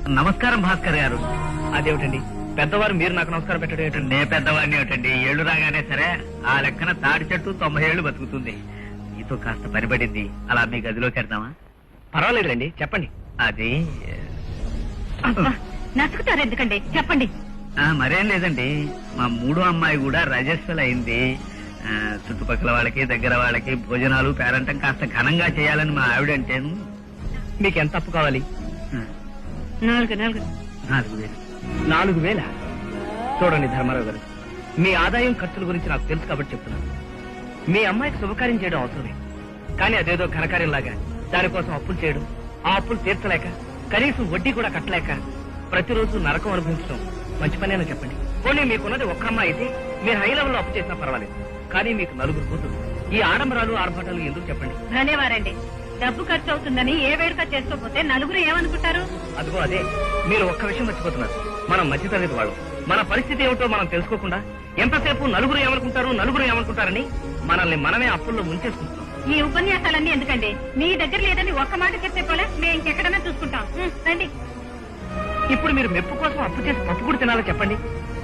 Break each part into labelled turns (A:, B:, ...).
A: నమస్కారం భాస్కర్ గారు.
B: అదేమిటండి పెద్దవారు మీరు నాకు నమస్కారం పెట్టడం ఏంటండి?
A: నే పెద్దవాడిని ఏమిటండి, ఏళ్లు రాగానే సరే ఆ లెక్కన తాడి చెట్టు 90 ఏళ్లు బతుకుతుంది. మీతో కాస్త పనిపడింది, అలా మీ గదిలోకి వెళ్దామా?
B: పర్వాలేదులేండి, చెప్పండి.
A: అది
C: నచ్చుకుతారు ఎందుకండి, చెప్పండి.
A: మరేం లేదండి, మా మూడో అమ్మాయి కూడా రజస్వల్ అయింది. చుట్టుపక్కల వాళ్ళకి దగ్గర వాళ్ళకి భోజనాలు పేరంటం కాస్త ఘనంగా చేయాలని మా ఆవిడంటేను.
B: మీకు ఎంత అప్పు కావాలి?
C: 4,000.
B: 4,000. చూడండి ధర్మారావు గారు, మీ ఆదాయం ఖర్చుల గురించి నాకు తెలుసు కాబట్టి చెప్తున్నాను. మీ అమ్మాయికి శుభకార్యం చేయడం అవసరమే, కానీ అదేదో ఘనకార్యంలాగా దానికోసం అప్పులు చేయడం, ఆ అప్పులు తీర్చలేక కనీసం వడ్డీ కూడా కట్టలేక ప్రతిరోజు నరకం అనుభవించడం మంచి పనేనా చెప్పండి. పోనీ మీకున్నది ఒక్క అమ్మాయి అయితే మీరు హై లెవెల్లో అప్పు చేసినా పర్వాలేదు, కానీ మీకు 4 కూతురు. ఈ ఆడంబరాలు ఆర్భాటాలు ఎందుకు చెప్పండి?
C: ధన్యవారండి. డబ్బు ఖర్చు అవుతుందని ఏ వేడుక చేసుకోకపోతే నలుగురు ఏమనుకుంటారు?
B: అదిగో అదే, మీరు ఒక్క విషయం మర్చిపోతున్నారు. మనం మధ్యతరగతి వాళ్ళం. మన పరిస్థితి ఏమిటో మనం తెలుసుకోకుండా ఎంతసేపు నలుగురు ఏమనుకుంటారని మనల్ని మనమే అప్పుల్లో ముంచేసుకుంటున్నాం.
C: ఈ ఉపన్యాసాలన్నీ ఎందుకండి? మీ దగ్గర లేదని ఒక్క మాట చెప్తే పోలే, మేము ఇంకెక్కడైనా చూసుకుంటాం. రండి.
B: ఇప్పుడు మీరు మెప్పు కోసం అప్పు చేసి పప్పు కూడా తినాలో చెప్పండి.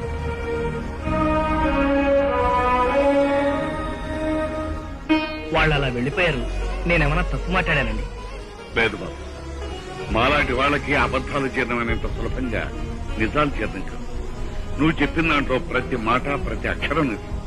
B: వాళ్ళు అలా వెళ్ళిపోయారు, నేనేమన్నా తప్పు మాట్లాడానండి?
D: లేదు బాబు, మాలాంటి వాళ్ళకి అబద్ధాలు జీర్ణమైనంత సులభంగా నిజాలు జీర్ణం కాదు. నువ్వు చెప్పిన దాంట్లో ప్రతి మాట ప్రతి అక్షరం నిజం.